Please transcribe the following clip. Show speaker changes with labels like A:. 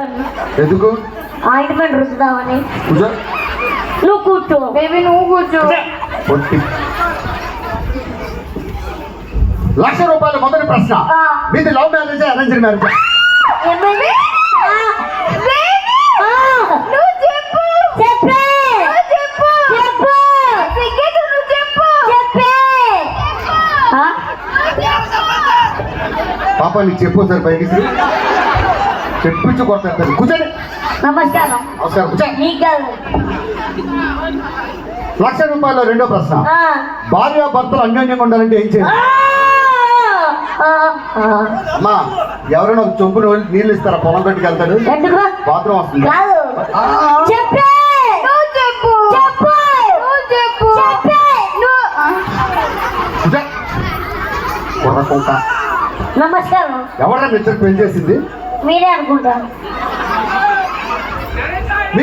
A: కూర్చోవాలన్నా.
B: ఎందుకు
A: ఆయింట్మెంట్ రుద్దుదామని.
B: కూర్చో.
A: నువ్వు కూర్చో బేబీ, నువ్వు కూర్చో.
B: పొట్టి. 1,00,000 రూపాయల మొదటి ప్రశ్న, మీది లవ్ మ్యారేజ్ అరేంజ్ మ్యారేజ్?
A: ఏం బేబీ? బేబీ నువ్వు చెప్పు. చెప్పే. చెప్పు. చెప్పు. సిగ్గేదు, నువ్వు చెప్పు. చెప్పే.
B: పాప నీకు చెప్పు సార్ పైకి చెప్పించు కొడతారు. కూర్చోండి.
A: నమస్కారం.
B: నమస్కారం. కూర్చో.
A: నీకు కాదు.
B: 1,00,000 రూపాయల రెండో ప్రశ్న, భార్య భర్తలు అన్యోన్యంగా ఉండాలంటే ఏం చేయాలి? అమ్మా, ఎవరైనా ఒక చొంపు నీళ్ళు ఇస్తారా? పొలం కట్టుకు వెళ్తాడు,
A: ఎందుకు?
B: బాత్రూమ్ వస్తుంది.
A: కాదు. చెప్పే. నువ్వు చెప్పు. చెప్పు. నువ్వు చెప్పు. చెప్పే.
B: కూర్చో. కుర్ర కుంక.
A: నమస్కారం.
B: ఎవరైనా మిత్రుడు పెళ్లి చేసింది?
A: మీరే అనుకుంటా.